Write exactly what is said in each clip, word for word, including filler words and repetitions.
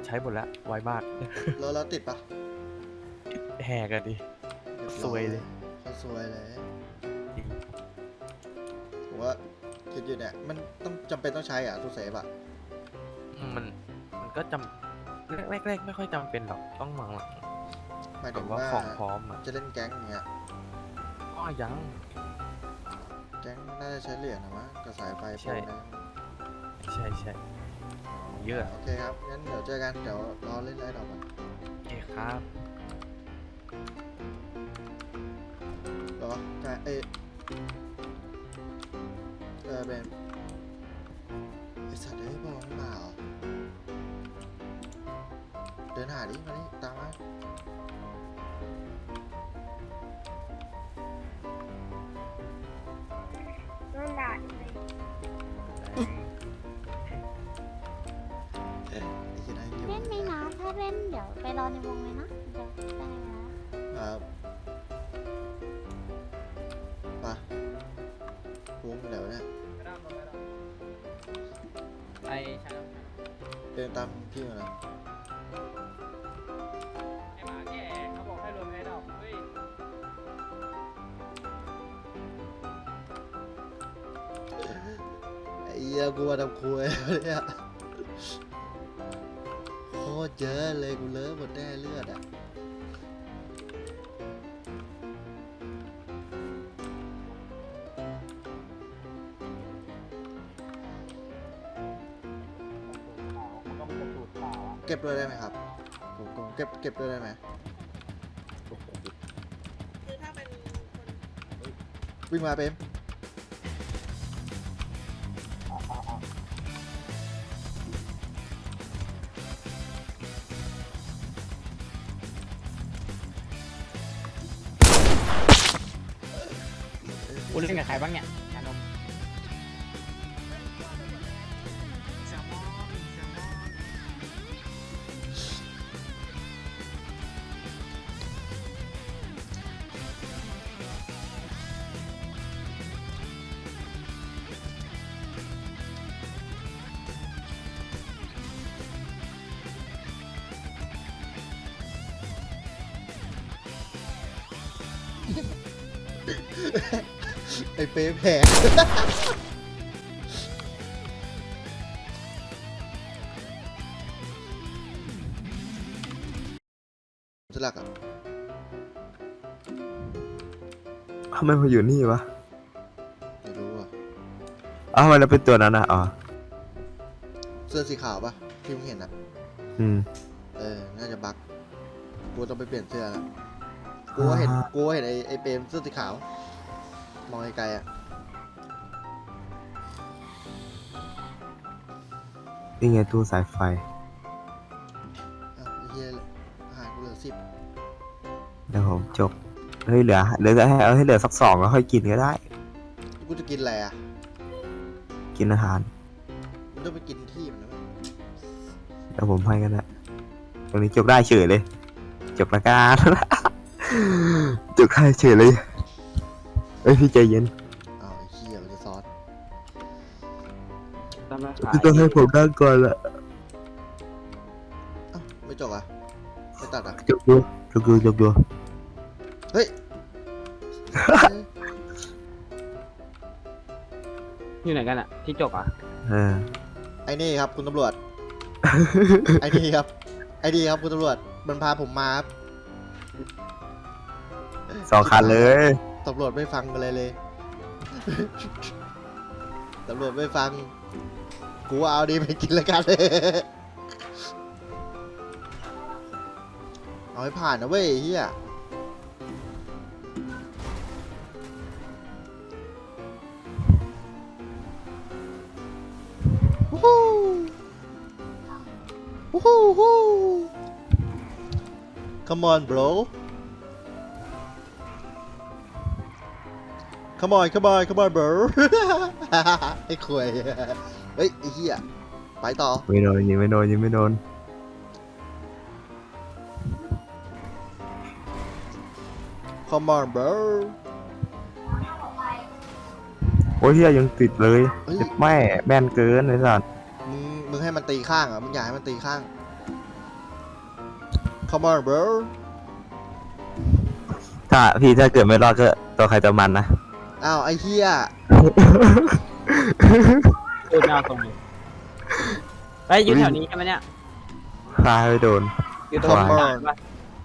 ใช้หมดแล้วไวมากแล้วเราติดปะแหกกันดิ ซวยเลยเขาซวยเลยจริงผมว่าคิดอยู่เนี่ยมันต้องจำเป็นต้องใช้อ่ะตู้เซฟอ่ะมันมันก็จำแรกแรกๆไม่ค่อยจำเป็นหรอกต้องหลังหลังหมายแบถึบงว่าว่าของพร้อมอ่ะจะเล่นแก๊งอย่างเงี้ยก็ยังแก๊งน่าจะใช้เหรียญนะมั้งกับสายไฟใช่โปรนะใช่ใช่เยอะโอเคครับงั้นเดี๋ยวเจอกันเดี๋ยวรอเล่นไลน์ดอกกันโอเคครับรอใช่เอยเออเบนไอสัตว์เอ้ยบอกไม่มาเหรอเดินหาดิมาดิตามมาโดนด่าเลยเอ้ยไอ้ที่ไหนอยู่เล่นไหมนะถ้าเล่นเดี๋ยวไปรอในวงเลยนะเดี๋ยวได้แล้วครับไปวงไปไหนวะเนี่ยไปใช่เดินตามพี่มาเลยไอหมาแก่เขาบอกให้รวมไอ้ดอกเฮ้ยไอ้เหี้ยกูมาทำครัวเนี่ยโคตรเยอะเลยกูเลอะหมดแน่เลือดอ่ะเก็บด้วยได้ไหมครับผมผมเก็บเก็บด้วยได้ไหมคือถ้าเป็นคนวิ่งมาเปมกูเล่นกับใครบ้างเนี่ยชานมไอ้เปมแผลสลักอ่ะทำไมมาอยู่นี่วะไม่รู้อ่ะอ้าวทำไมเราเป็นตัวนั้นอ่ะอ๋อเสื้อสีขาวปะที่มึงเห็นอ่ะอืมเออ น่าจะบักกูต้องไปเปลี่ยนเสื้อแล้วกูก็เห็นอ่ากูก็เห็นไอ้ไอ้เปรมเสื้อสีขาว มองไกลๆอ่ะนี่ไงตู้สายไฟอ้าวไอ้เหี้ยอาหารกูเหลือสิบเดี๋ยวผมจบ เฮ้ยเหลือเหลือจะให้เอาให้เหลือสักสองแล้วค่อยกินก็ได้กูจะกินอะไรอ่ะกินอาหารมันต้องไปกินที่มันนะเว้ยเดี๋ยวผมให้กันนะตรงนี้จบได้เฉยเลย จบละกัน จบได้เฉยเลยเอ้ยพี่ใจเย็นอ้าวไอ้เหี้ยมันจะซอสพี่ต้องให้ผมนั่งก่อนละอ้าวไม่จบอ่ะ ไม่ตัดอ่ะจบดูจบดูจบดูเฮ้ยอยู่ไหนกันอะที่จกอะเออไอ้นี่ครับคุณตำรวจ ไอ้นี่ครับ ไอ้นี่ครับคุณตำรวจ มันพาผมมาครับสองคันเลยตำรวจไม่ฟังกันเลยเลย ตำรวจไม่ฟัง กูเอาดีไปกินแล้วกัน เอาให้ผ่านนะเว้ยเฮียวู้ฮู้วู้ฮู้ฮู้ Come on bro Come on come on come on bro ไอ้ขวยเฮ้ยไอ้เหี้ยไปต่อไม่โดนยิงไม่โดนยิงไม่โดน Come on bro โอ้ยเฮียยังติดเลยเฮ้ยเจ็บแม่แม่นเกินไอ้สัสมึงมึงให้มันตีข้างเหรอ่ะมึงอยากให้มันตีข้าง come on bro ถ้าพี่ถ้าเกิดไม่รอดก็ตัวใครตัวมันนะอ้าวไอ้เหี้ยพูดไม่เอาตรงเลยไปอยู่แถวนี้ใช่ไหมเนี่ยฆ่าให้โดนอยู่ตรงกลางปะ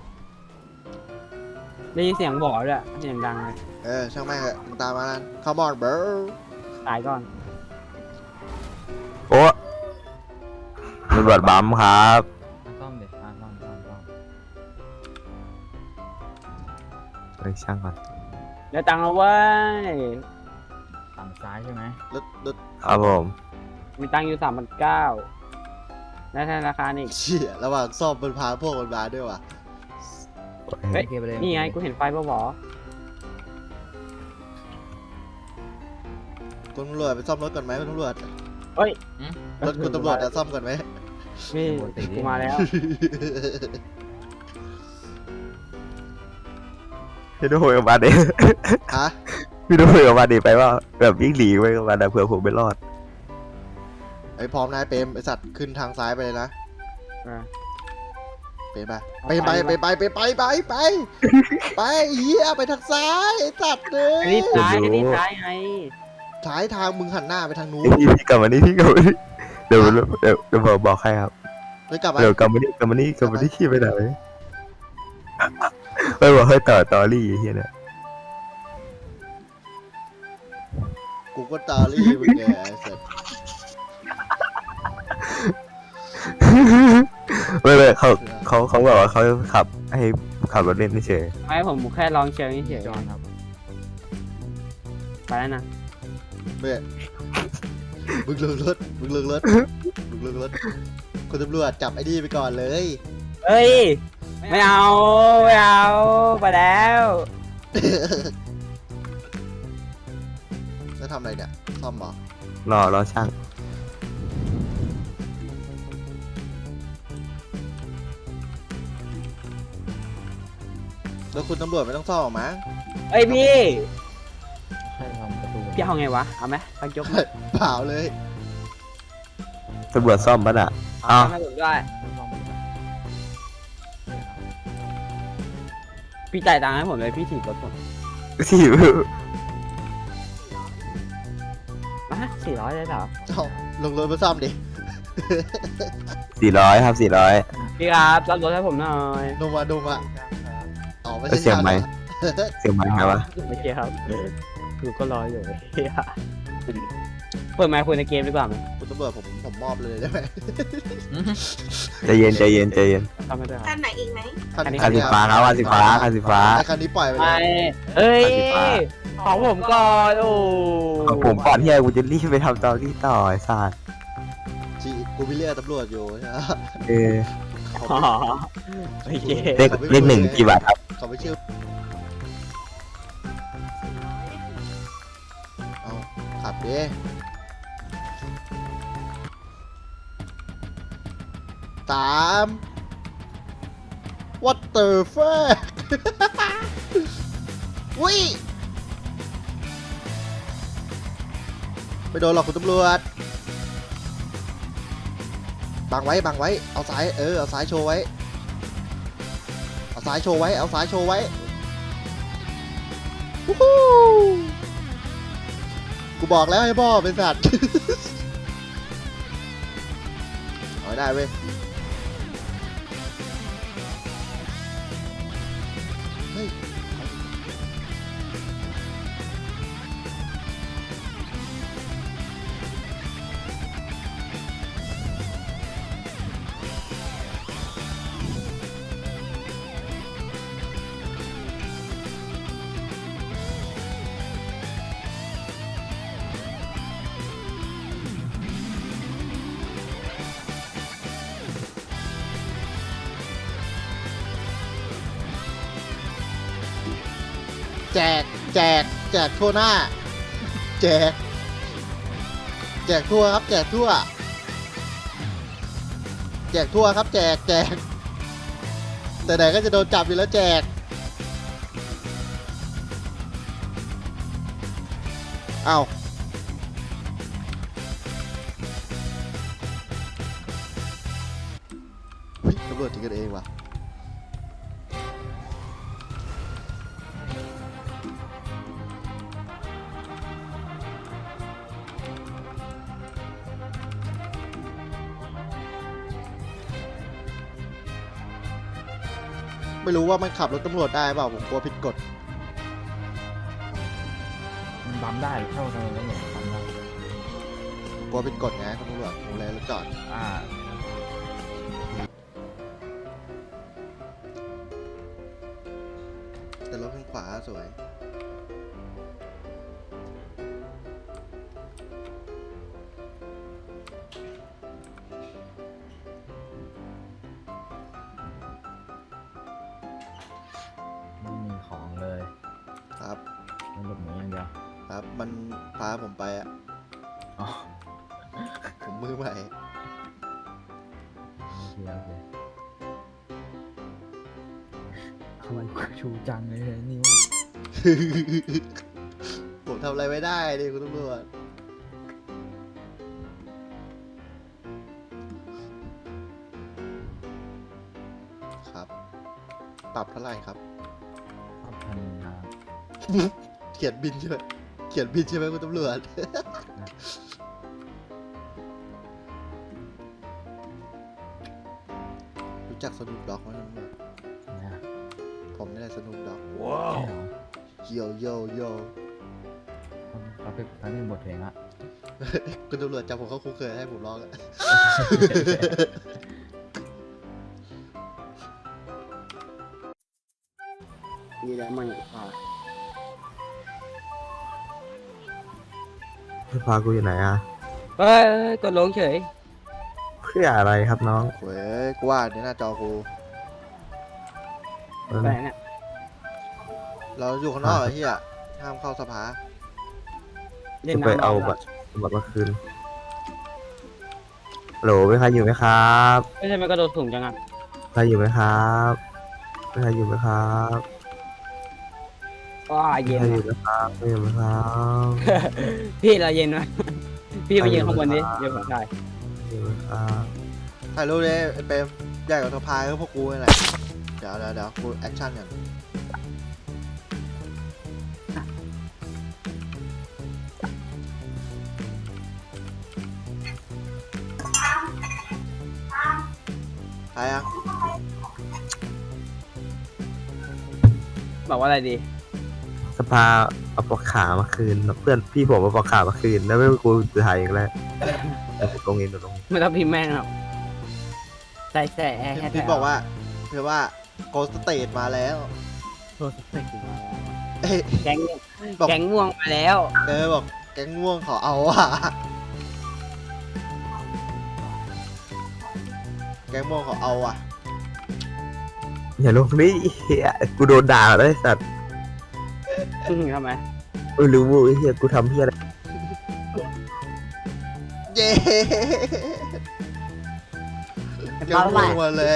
ได้ยินเสียงบอกด้วยเสียงดังเลยเออช่างแม่งเถอะมึงตามมานั่น come on bro ตายก่อนโอ้ตำรวจบัมครับซ่อมเด็ดซ่อมซ่อมซ่อมซ่อมเฮ้ยช่างก่อนได้ตังค์แล้วเว้ยฝั่งซ้ายใช่ไหมรถรถครับผมมีตังค์อยู่สามพันเก้าได้ธนาคารอีกเชี่ยระหว่างซ่อมมันพาพวกมันมาด้วยว่ะเฮ้ยนี่ไงกูเห็นไฟป่ะหวอคุณตำรวจไปซ่อมรถก่อนไหมคุณตำรวจเฮ้ยรถคุณตำรวจจะซ่อมก่อนไหมนี่กูมาแล้วพี่ดูกับมันดิฮะพี่ดูกับมันดิไปว่าแบบวิ่งหนีไปกับมันนะเผื่อผมไม่รอดไอ้พร้อมนายเปรมไอสัตว์ขึ้นทางซ้ายไปเลยนะอ่ะเปรมไปไปไปไปไปไปไปไปไปไปเฮียไปทางซ้ายไอ้สัตว์เลอันยนี้ซ้ายอันนี้ซ้ายไงซ้ายทางมึงหันหน้าไปทางนู้นพี่พี่กลับมานี่พี่กลับมานี่เดี๋ยวเดี๋ยวเดี๋ยวผมบอกให้ครับเลยกลับมาเดี๋ยวกลับมานี่กลับมานี่กลับมานี่ขี้ไปไหนไม่บอกให้ต่อตอรี่เฮียเนี่ยกูก็ตาลี่มึงไงไอ้สัตว์ไม่ไม่เขาเขาเขาบอกว่าเขาขับให้ขับรถเล่นเฉยไม่ผมแค่ลองเชิงเฉยๆครับไปแล้วนะเบ้มึงลงรถมึงลงรถมึงลงรถคุณตำรวจจับไอ้นี่ไปก่อนเลยเฮ้ยไม่เอาไม่เอาไปแล้วแล้วทำอะไรเนี่ยซ่อมเหรอรอรอช่างแล้วคุณตำรวจไม่ต้องซ่อมหรอกมั้งเฮ้ยพี่ให้ทำประตูพี่เอาไงวะเอาไหมไปยกมาเปล่าเลยตำรวจซ่อมปะน่ะอ้าวให้ผมด้วยพี่จ่ายตังค์ให้ผมเลยพี่ถีบรถผมที่มาสี่ร้อยได้เหรอเอ้าลงรถมาซ่อมดิสี่ร้อยครับสี่ร้อยพี่ครับรับรถให้ผมหน่อยนมมาดมอ่ะอ๋อไม่แล้วใช่เสียงไหมช่างเหรอเสียงมันไงวะไม่ใช่ครับคือก็รออยู่เฮียเปิดไมค์คุยในเกมดีกว่าไหมคุณตำรวจผมผมมอบเลยได้ไหมใจเย็นใจเย็นใจเย็นทำไม่ได้คคัรับนไหนอีกไหมคันอันนี้คันสีฟ้าครับคันสีฟ้าคันสีฟ้าไอ้คันนี้ปล่อยไปเลไม่ยเอ้ยคันสีฟ้าของผมก่อนโอ้ของผมก่อนที่ไอ้กูจะรีบไปทำตอรี่ต่อไอ้สัสจีกูไปเรียกตำรวจอยู่ใช่ไหมเออเขาอ๋อโอเคเลขเลขหนึ่งกี่บาทครับเขาไม่เชื่อเอาขับดิสาม what the fuck อุ้ยไม่โดนหรอกคุณตำรวจบังไว้บังไว้เอาซ้ายเออเอาซ้ายโชว์ไว้เอาซ้ายโชว์ไว้เอาซ้ายโชว์ไว้วู้ฮู้กูบอกแล้วให้พ่อเป็นสัตว์ เอาให้ได้เว้ยเฮ้ยแจกแจกแจกทั่วหน้า แจก แจกทั่วครับ แจกทั่ว แจกทั่วครับ แจกแจกแต่ไหนก็จะโดนจับอยู่แล้วแจกเอ้าเฮ้ยตำรวจจริงกันเองว่ะไม่รู้ว่ามันขับรถตำรวจได้เปล่าผมกลัวผิดกฎมันบัมได้เข้าทางนั้นเนี่ยบัมได้กลัวผิดกฎไงคุณตำรวจผมเลยรถจอดอ่าแต่รถข้างขวาสวยไม่มีของเลยครับมันหลบหนีอย่างเดียวครับ มันพาผมไปอ่ะอ๋อผมมือใหม่โอเคโอเคชูชูจังเลยเนี่ยนิ้วผมทำอะไรไม่ได้ดิคุณตำรวจครับ ปรับเท่าไหร่ครับพับพันนาเขียนบินใช่ไหมเขียนบินใช่ไหมคุณตำรวจ รู้จักสนุปด็อกไหมคุณตำรวจนะผมนี่แหละสนุปด็อกว้าวโยโยโยเขาเป็นเขาเป็นบทเพลงละคุณตำรวจจับผมเข้าคุกเคยให้ผมร้องอะมีแล้วมันพาพากูอยู่ไหนอ่ะเฮ้ยกดลงเฉยเพื่ออะไรครับน้องเว้ยกูว่าในหน้าจอกูเออไปไหนเนี่ยเราอยู่ข้างนอกเหรอเฮียห้ามเข้าสภาเล่นจะไปน้ำเอารบัอบตรบัตรมาคืนโหลมีใครอยู่ไหมครับไม่ใช่มันกระโดดสูงจังอ่ะใครอยู่ไหมครับมีใครอยู่ไหมครับว้ามีเย็นใครอว่ะยู่ไหมครับไม่อยู่ไหมครับพี่เราเย็นวะพี่ไปยืนข้างบนดิเดี๋ยวผมถ่ายอยู่ไหมครับถ่ายรูปเลยไอ้เปรมใหญ่กว่าสภาก็พวกกูนี่แหละเดี๋ยวเดี๋ยวเดี๋ยวกูแอคชั่นกันถ่ายยังบอกว่าอะไรดีสภาเอาปอกขามาคืนเพื่อนพี่ผมเอาปอกขามาคืนแล้วไม่กูจะถ่ายอีกแล้วแต่ตรงนี้ตรงนี้ไม่ต้องพิมพ์แม่งหรอกใส่แส่แอร์แค่พี่บอกว่าพี่ว่าโกสเตทมาแล้วโทรศัพท์ถึงมาแล้วเอ้ยแก๊งบอกแก๊งม่วงมาแล้วเออบอกแก๊งม่วงเขาเอาอ่ะแก๊งม่วงเขาเอาอ่ะอย่าลงนี่เฮียกูโดนด่าเลยสัตว์ทำไมเออรู้เฮียกูทำเฮียอะไรเย้แก๊งม่วงมาแล้ว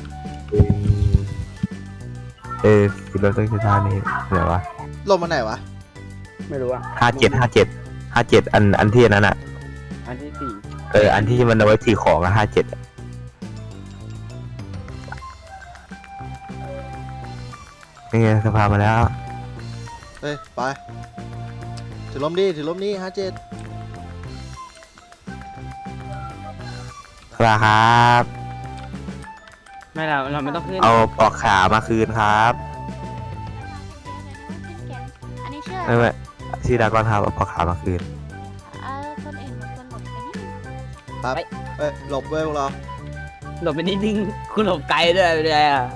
เออคือเราต้องใช้ท่านี้เดี๋ยววะลงมาไหนวะไม่รู้อ่ะห้าเจ็ดห้าเจ็ดห้าเจ็ดอันอันที่อันนั้นอ่ะอันที่สี่เอออันที่มันเอาไว้ถือของอะห้าเจ็ดนี่ไงสภามาแล้วเฮ้ย ไป ถือลมดิถือลมนี่ฮะเจ็ดสภาครับไม่เราเราไม่ต้องขึ้นเอาปอกขามาคืนครับขึ้นแก๊งอันนี้เชื่อไม่ไม่ชื่อดากอนครับเอาปอกขามาคืนเออคนอื่นบางคนหลบไปนี่ครับเอ้ย หลบเว้ยพวกเราหลบไปนิดนึงคุณหลบไกลด้วยไปเลยอ่ะ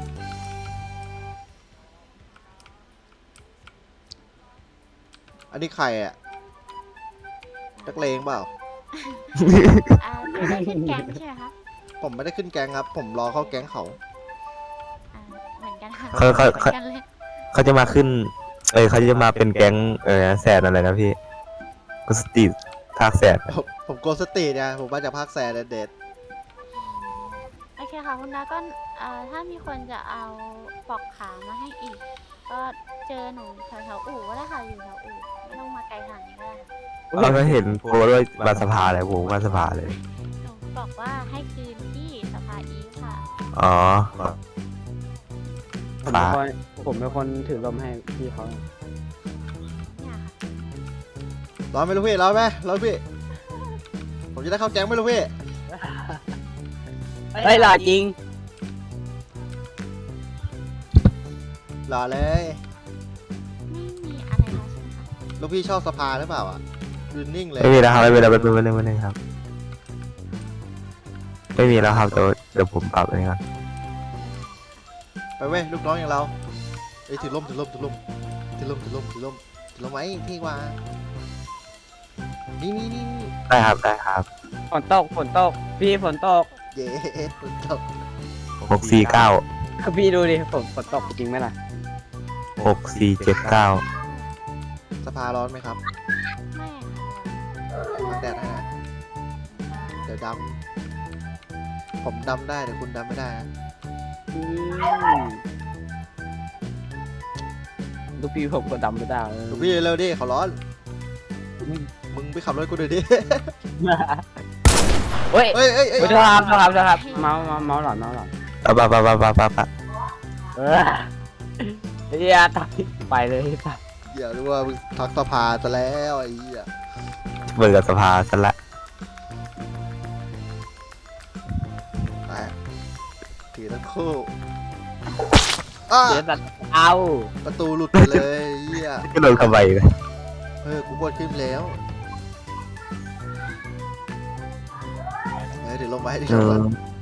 อันนี้ใครอ่ะนักเลงเปล่าอ่าไม่ได้ขึ้นแก๊งใช่ไหมคะผมไม่ได้ขึ้นแก๊งครับ ผมรอเข้าแก๊งเขาอ่าเหมือนกันค่ะเขาเขาเหมืเขาอนกันเลยเขาจะมาขึ้น เออเขาจะมาเป็นแก๊งเออแสนอะไรนะพี่กุสตีภาคแสนผมผมโกสตีเนี่ยผมมาจากภาคแซนเด็ดโอเคค่ะคุณดาก็เอ่อถ้ามีคนจะเอาปอกขามาให้อีก ก็เจอหนูแถวๆอู่ก็ได้ค่ะอยู่แถวอู่ไม่ต้องมาไกลขนาดนี้ก็ได้ค่ะเราก็เห็นโพสต์ว่ามาสภาเลยผมมาสภาเลยหนูบอกว่าให้คืนที่สภาอีฟค่ะอ๋อผมเป็นคนผมเป็นคนถือลมให้พี่เขาเนี่ยค่ะๆร้อนไหมลูกพี่ร้อนไหมร้อนพี่ ผมจะได้เข้าแก๊งไหมลูกพี่เฮ้ยหล่อจริงรอเลยไม่มีอะไรแล้วใช่ไหมคะลูกพี่ชอบสภาหรือเปล่าอ่ะยืนนิ่งเลยไม่มีแล้วครับไม่มีแล้วแป๊บนึงแป๊บนึงแป๊บนึงครับไม่มีแล้วครับเดี๋ยวเดี๋ยวผมปรับเองครับไปเว้ยลูกน้องอย่างเราเอ้ยถือล่มถือล่มถือล่มถือล่มถือล่มถือล่มถือล่มไว้ที่ว่านี่นี่นี่นี่ได้ครับได้ครับฝนตกฝนตกพี่ฝนตกเย้ฝนตกหกสี่เก้าพี่ดูดิฝนฝนตกจริงไหมล่ะหกสี่เจ็ดเก้าสภาร้อนไหมครับไม่ค่ะบังแดดให้นะเดี๋ยวดำผมดำได้แต่คุณดำไม่ได้นะอืมลูกพี่ผมก็ดำไม่ได้ลูกพี่เร็วดิเขาร้อน มึงไปขับรถกูดูดิเฮ้ยเอ้ยเอ้ยเอ้ยโทษครับโทษครับโทษครับเมาส์เมาส์เมาส์หลอนเมาส์หลอนปะปะปะปะปะปะปะเออเฮียตัดไปเลยตัดอย่ารู้ว่ามึงทักสภาซะแล้วไอ้เหี้ยเปิดกับสภาซะละไปถือทั้งคู่อ้าเดี๋ยวตัดเอาประตูหลุดไปเลยไอ้เหี้ยก็โดนขบายเลยเออกูกดขึ้นแล้วเออเดี๋ยวลงไปเดี๋ยวเอลงไปอ